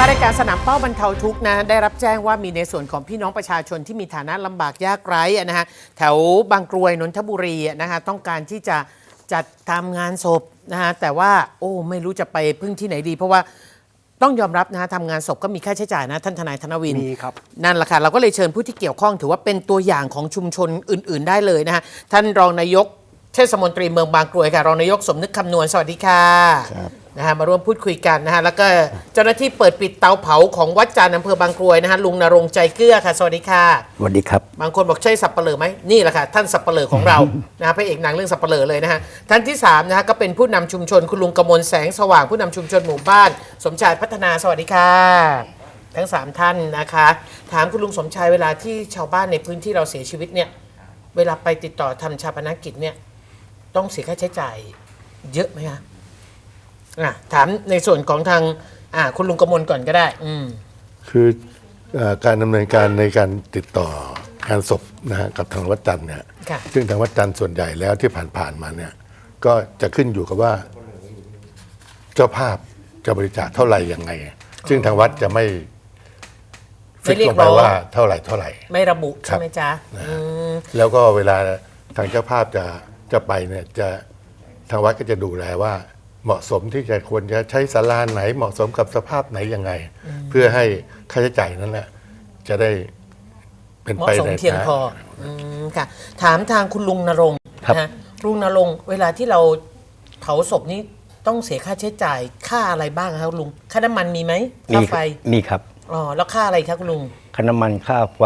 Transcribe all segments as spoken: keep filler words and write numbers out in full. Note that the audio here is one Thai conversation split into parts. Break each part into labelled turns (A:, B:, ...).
A: ารายการสนามเป้าบรรเทาทุกข์นะได้รับแจ้งว่ามีในส่วนของพี่น้องประชาชนที่มีฐานะลำบากยากไร้นะฮะแถวบางกรวยนนทบุรีนะฮะต้องการที่จะจัดทำงานศพนะฮะแต่ว่าโอ้ไม่รู้จะไปพึ่งที่ไหนดีเพราะว่าต้องยอมรับนะฮะทำงานศพก็มีค่าใช้จ่ายนะท่านทนายธนวิน
B: มีครับ
A: นั่นแหละค่ะเราก็เลยเชิญผู้ที่เกี่ยวข้องถือว่าเป็นตัวอย่างของชุมชนอื่นๆได้เลยนะฮะท่านรองนายกเทศมนตรีเมืองบางกรวยค่ะรองนายกสมนึกคำนวณสวัสดีค่ะนะฮะมาร่วมพูดคุยกันนะฮะแล้วก็เจ้าหน้าที่เปิดปิดเตาเผาของวัดจันทร์อำเภอบางกรวยนะฮะลุงณรงค์ใจเกลือค่ะสวัสดีค่ะ
C: สวัสดีครับ
A: บางคนบอกใช่สับปะเหร่อไหมนี่แหละค่ะท่านสับปะเหร่อของเรา นะฮะพระเอกหนังเรื่องสับปะเหร่อเลยนะฮะท่านที่สามนะฮะก็เป็นผู้นำชุมชนคุณลุงกมลแสงสว่างผู้นำชุมชนหมู่บ้านสมชายพัฒนาสวัสดีค่ะทั้งสามท่านนะคะถามคุณลุงสมชายเวลาที่ชาวบ้านในพื้นที่เราเสียชีวิตเนี่ยเวลาไปติดต่อทำชาปนกิจเนี่ยต้องเสียค่าใช้จ่ายเยอะไหมคะอ่ะถามในส่วนของทางอ่าคุณลุงกมลก่อนก็ได้อืม
D: คือการดำเนินการในการติดต่องานศพนะฮะกับทางวัดจันทร์เนี่ยซึ่งทางวัดจันทร์ส่วนใหญ่แล้วที่ผ่านๆมาเนี่ยก็จะขึ้นอยู่กับว่าเจ้าภาพจะบริจาคเท่าไหร่ยังไงซึ่งทางวัดจะไม่ฟิกลงไปว่าเท่าไหร่เท่าไหร่
A: ไม่ระบุใช่ไหมจ๊ะ
D: แล้วก็เวลาทางเจ้าภาพจะจะไปเนี่ยจะทางวัดก็จะดูแลว่าเหมาะสมที่จะควรจะใช้ศาลาไหนเหมาะสมกับสภาพไหนยังไงเพื่อให้ค่าใช้จ่ายนั้นแหละจะได้เป็นไปใน
A: เพียงพอค่ะถามทางคุณลุงณรงค์นะลุงณรงค์เวลาที่เราเผาศพนี้ต้องเสียค่าใช้จ่ายค่าอะไรบ้างครับลุงค่าน้ำมันมีไหมค่าไฟ
C: มีครับ
A: อ๋อแล้วค่าอะไรครับคุณลุง
C: ค่าน้ำมันค่าไฟ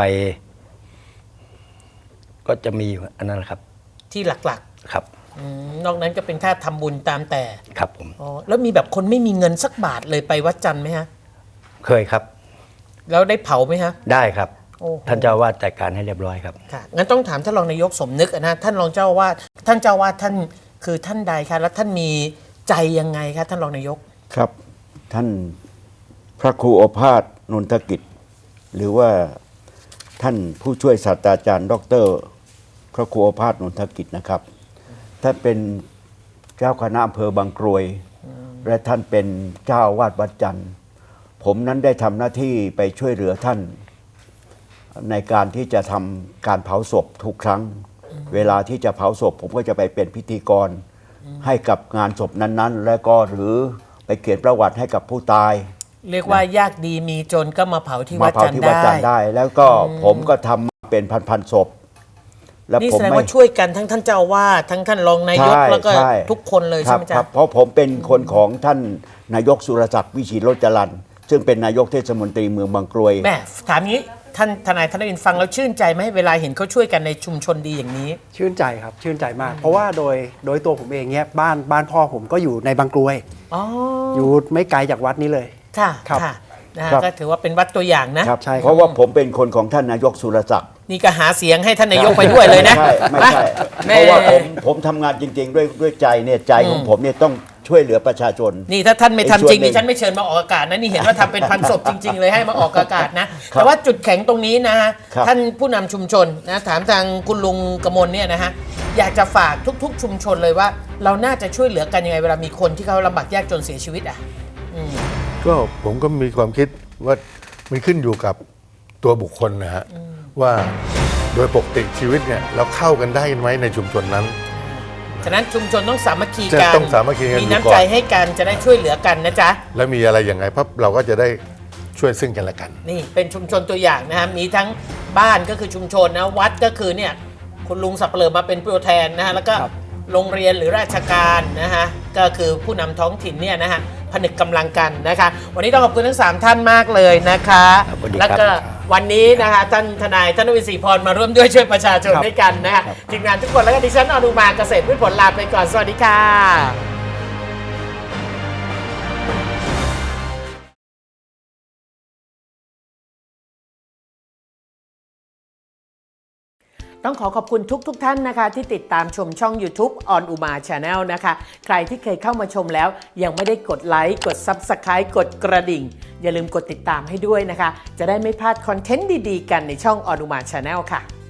C: ก็จะมีอันนั้นครับ
A: ที่หลัก
C: ๆครับ
A: นอกนั้นก็เป็นค่าทำบุญตามแต่
C: ครับผม
A: อ๋อแล้วมีแบบคนไม่มีเงินสักบาทเลยไปวัดจันทร์ไหมฮะ
C: เคยครับ
A: แล้วได้เผาไหมฮะ
C: ได้ครับท่านเจ้าวาดจัดการให้เรียบร้อยครับ
A: ค่ะงั้นต้องถามท่านรองนายกสมนึกนะท่านรองเจ้าวาดท่านเจ้าวาดท่านคือท่านใดคะแล้วท่านมีใจยังไงคะท่านรองนายก
E: ครับท่านพระครูโอภาสนนทกิจหรือว่าท่านผู้ช่วยศาสตราจารย์ดรพระครูโอภาสนนทกิจนะครับท่านเป็นเจ้าคณะอำเภอบางกรวยและท่านเป็นเจ้าวาดวัดจันทร์ผมนั้นได้ทำหน้าที่ไปช่วยเหลือท่านในการที่จะทำการเผาศพทุกครั้งเวลาที่จะเผาศพผมก็จะไปเป็นพิธีกรให้กับงานศพนั้นๆแล้วก็หรือไปเขียนประวัติให้กับผู้ตาย
A: เรียกว่ายากดีมีจนก็มาเผาที่วัดจันทร์
E: ได้แล้วก็ผมก็ทำเป็นพันๆศพ
A: นี่แสดงว่าช่วยกันทั้งท่านเจ้าวาดทั้งท่านรองนายกแล้วก็ทุกคนเลยใช่ไหมจ๊ะ
E: เพราะผมเป็นคนของท่านนายกสุรศักดิ์วิชิตรจรัญซึ่งเป็นนายกเทศมนตรีเมืองบางกรวย
A: แม่ถามนี้ท่านทนายธนวินฟังแล้วชื่นใจไหมเวลาเห็นเขาช่วยกันในชุมชนดีอย่างนี้
B: ชื่นใจครับชื่นใจมากเพราะว่าโดยโดยตัวผมเองเนี่ยบ้านบ้านพ่อผมก็อยู่ในบางกรวยอยู่ไม่ไกลจากวัดนี้เลย
A: ค่ะค่ะนะก็ถือว่าเป็นวัดตัวอย่างนะ
E: ใช่เพราะว่าผมเป็นคนของท่านนายกสุรศักดิ์
A: นี่ก็หาเสียงให้ท่านนายกไปด้วยเลยนะ
E: ไม่ใช่เพราะว่าผมผมทำงานจริงๆด้วยด้วยใจเนี่ยใจของผมเนี่ยต้องช่วยเหลือประชาชน
A: นี่ถ้าท่านไม่ทำจริงนี่ฉันไม่เชิญมาออกอากาศนะนี่เห็นว่าทำเป็นพันศพจริงๆเลยให้มาออกอากาศนะแต่ว่าจุดแข็งตรงนี้นะฮะท่านผู้นำชุมชนนะถามทางคุณลุงกมลเนี่ยนะฮะอยากจะฝากทุกๆชุมชนเลยว่าเราน่าจะช่วยเหลือกันยังไงเวลามีคนที่เขาลำบากยากจนเสียชีวิตอ่ะ
D: ก็ผมก็มีความคิดว่ามันขึ้นอยู่กับตัวบุคคลนะฮะว่าโดยปกติชีวิตเนี่ยเราเข้ากันได้ไหมในชุมชนนั้น
A: ฉะนั้นชุมชนต้องสามัคคีกัน
D: ต้องสามัคคีกัน
A: มีน้ำใจให้กันจะได้ช่วยเหลือกันนะจ๊ะ
D: แล้วมีอะไรอย่างไงเพราะเราก็จะได้ช่วยซึ่งกันและกัน
A: นี่เป็นชุมชนตัวอย่างนะฮะมีทั้งบ้านก็คือชุมชนนะวัดก็คือเนี่ยคุณลุงสับเปลือมาเป็นตัวแทนนะฮะแล้วก็โรงเรียนหรือราชการนะฮะก็คือผู้นำท้องถิ่นเนี่ยนะฮะผนึกกำลังกันนะคะวันนี้ต้องขอบคุณทั้งสามท่านมากเลยนะคะแล้วก็วันนี้นะคะท่านทนายธนวิน ศรีพรมาร่วมด้วยช่วยประชาชนด้วยกันนะคะทีมงานทุกคนแล้วก็ดิฉันอนุมาเกษตรพืชผลลาไปก่อนสวัสดีค่ะต้องขอขอบคุณทุกๆ ท, ท่านนะคะที่ติดตามชมช่อง YouTube On Uma Channel นะคะใครที่เคยเข้ามาชมแล้วยังไม่ได้กดไลค์กด Subscribe กดกระดิ่งอย่าลืมกดติดตามให้ด้วยนะคะจะได้ไม่พลาดคอนเทนต์ดีๆกันในช่อง On Uma Channel ค่ะ